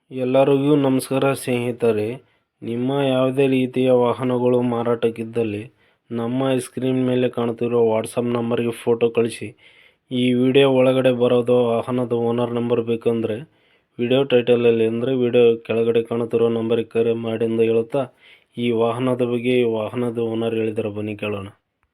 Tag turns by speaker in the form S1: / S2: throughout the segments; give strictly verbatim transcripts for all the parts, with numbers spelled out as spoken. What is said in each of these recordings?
S1: ಎಲ್ಲರಿಗೂ ನಮಸ್ಕಾರ ಸ್ನೇಹಿತರೆ. ನಿಮ್ಮ ಯಾವುದೇ ರೀತಿಯ ವಾಹನಗಳು ಮಾರಾಟಕ್ಕಿದ್ದಲ್ಲಿ ನಮ್ಮ ಸ್ಕ್ರೀನ್ ಮೇಲೆ ಕಾಣುತ್ತಿರುವ ವಾಟ್ಸಪ್ ನಂಬರ್ಗೆ ಫೋಟೋ ಕಳಿಸಿ. ಈ ವಿಡಿಯೋ ಒಳಗಡೆ ಬರೋದು ವಾಹನದ ಓನರ್ ನಂಬರ್ ಬೇಕಂದರೆ ವಿಡಿಯೋ ಟೈಟಲಲ್ಲಿ ಅಂದರೆ ವಿಡಿಯೋ ಕೆಳಗಡೆ ಕಾಣುತ್ತಿರೋ ನಂಬರಿಗೆ ಕರೆ ಮಾಡಿ ಎಂದು ಹೇಳುತ್ತಾ, ಈ ವಾಹನದ ಬಗ್ಗೆ ಈ ವಾಹನದ ಓನರ್ ಹೇಳಿದಾರೆ, ಬನ್ನಿ ಕೇಳೋಣ.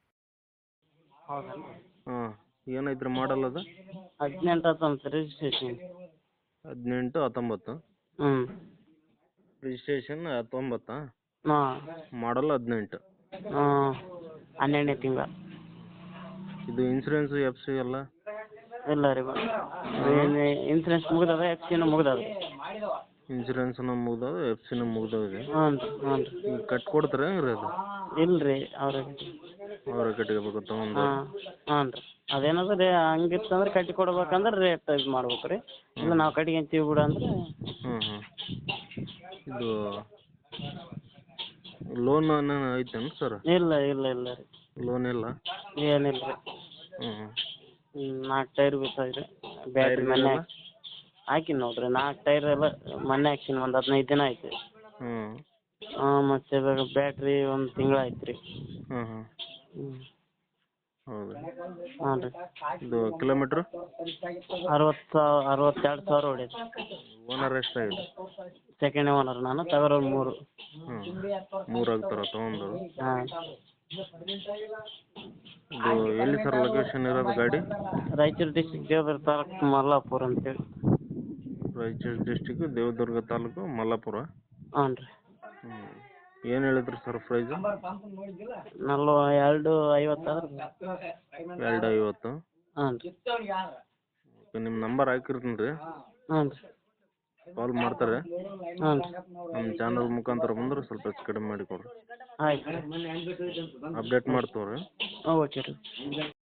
S1: ಹಾಂ, ಏನೈತ್ರಿ ಮಾಡಲ್ ಅದು?
S2: ಹದಿನೆಂಟು ಹತ್ತೊಂಬತ್ತು ರಿಜಿಸ್ಟ್ರೇಷನ್.
S1: ಹದಿನೆಂಟು ಹತ್ತೊಂಬತ್ತು
S2: ಹ್ಞೂ
S1: ರಿಜಿಸ್ಟ್ರೇಷನ್ ಹತ್ತೊಂಬತ್ತಾ?
S2: ಹಾಂ
S1: ಮಾಡಲ್ ಹದಿನೆಂಟು.
S2: ಹಾಂ ಹನ್ನೆರಡನೇ ತಿಂಗಳ.
S1: ಇದು ಇನ್ಸೂರೆನ್ಸ್ ಎಫ್ ಸಿ ಎಲ್ಲ?
S2: ಇಲ್ಲ ರೀ, ಏನು ಇನ್ಸೂರೆನ್ಸ್ ಮುಗ್ದದ, ಎಫ್ ಸಿನೂ ಮುಗ್ದದ.
S1: ಇನ್ಸೂರೆನ್ಸ್ನ ಮುಗ್ದವ, ಎಫ್ ಸಿನೂ ಮುಗ್ದವಿದೆ.
S2: ಹ್ಞೂ ರೀ ಹ್ಞೂ ರೀ
S1: ಈಗ ಕಟ್ಟಿ ಕೊಡ್ತಾರೆ ಹೆಂಗೆ ರೀ ಅದು?
S2: ಇಲ್ಲ ರೀ, ಅವ್ರ
S1: ಅವರ ಕಟ್ಕೋಬೇಕು ತೊಗೊಂಡು?
S2: ಹಾಂ ಹಾಂ ರೀ, ಅದೇನದ ರೀ, ಹಂಗಿತ್ತಂದ್ರೆ ಕಟ್ಟಿ ಕೊಡ್ಬೇಕಂದ್ರೆ ರೇಟ್ ಇದು ಮಾಡ್ಬೇಕು ರೀ. ಇಲ್ಲ ನಾವು ಕಟ್ಕೊಂತೀವಿ ಬಿಡು ಅಂದ್ರೆ.
S1: ಹ್ಞೂ ಹ್ಞೂ ಇದು ಲೋನ್ ಏನೇನು ಐತೇನು ಸರ್?
S2: ಇಲ್ಲ ಇಲ್ಲ ಇಲ್ಲ ರೀ,
S1: ಲೋನ್ ಇಲ್ಲ?
S2: ಏನಿಲ್ಲ ರೀ.
S1: ಹ್ಞೂ ಹ್ಞೂ
S2: ಹ್ಞೂ ನಾಲ್ಕು ಟೈರ್ ಬಿದ್ದಾವೆ ರೀ, ಬ್ಯಾಟ್ರಿ ಮೊನ್ನೆ ಹಾಕಿನಿ ನೋಡಿರಿ. ನಾಲ್ಕು ಟೈರ್ ಎಲ್ಲ ಮೊನ್ನೆ ಹಾಕ್ಸಿನಿ, ಒಂದು ಹದಿನೈದು ದಿನ ಆಯ್ತು.
S1: ಹ್ಞೂ
S2: ಹಾಂ, ಮತ್ತು ಇವಾಗ ಬ್ಯಾಟ್ರಿ ಒಂದು ತಿಂಗಳು ಆಯ್ತು ರೀ.
S1: ಹ್ಞೂ ಹ್ಞೂ
S2: ಹ್ಞೂ
S1: ಹೌದು.
S2: ಹಾಂ ರೀ.
S1: ಇದು ಕಿಲೋಮೀಟ್ರು?
S2: ಅರವತ್ತು ಸಾವಿರ ಅರವತ್ತೆರಡು ಸಾವಿರ ಹೊಡೈತೆ.
S1: ಓನರ್ ಎಷ್ಟಾಗಿದೆ?
S2: ಸೆಕೆಂಡ್ ಓನರ್ ನಾನು, ತಗೊಳ್ಳೋರು ಮೂರು.
S1: ಹ್ಞೂ ಮೂರು ಆಗ್ತಾರ ತೊಗೊಂಡು?
S2: ಹಾಂ.
S1: ಇದು ಎಲ್ಲಿ ಸರ್ ಲೊಕೇಶನ್ ಇರೋದು ಗಾಡಿ?
S2: ರಾಯಚೂರು ಡಿಸ್ಟಿಕ್, ದೇವದುರ್ಗ ತಾಲೂಕು, ಮಲ್ಲಾಪುರ ಅಂತೇಳಿ.
S1: ರಾಯಚೂರು ಡಿಸ್ಟಿಕ್, ದೇವದುರ್ಗ ತಾಲೂಕು, ಮಲ್ಲಾಪುರ?
S2: ಹಾಂ ರೀ.
S1: ಹ್ಞೂ ಏನು ಹೇಳಿದ್ರಿ ಸರ್ ಪ್ರೈಸು?
S2: ನಲ್ವ ಎರಡು ಐವತ್ತು ಆದ್ರೆ.
S1: ಎರಡು ಐವತ್ತು?
S2: ಹಾಂ ರೀ.
S1: ಓಕೆ, ನಿಮ್ಮ ನಂಬರ್ ಹಾಕಿರ್ತೀನಿ ರೀ,
S2: ಹಾಂ ರೀ.
S1: ಕಾಲ್ ಮಾಡ್ತಾರೆ.
S2: ಹಾಂ ರೀ.
S1: ನಮ್ಮ ಚಾನಲ್ ಮುಖಾಂತರ ಬಂದ್ರೆ ಸ್ವಲ್ಪ ಹೆಚ್ಚು ಕಡಿಮೆ ಮಾಡಿ ಕೊಡಿರಿ.
S2: ಆಯ್ತು.
S1: ಅಪ್ಡೇಟ್ ಮಾಡ್ತೀವಿ ರೀ.
S2: ಹಾಂ ಓಕೆ ರೀ.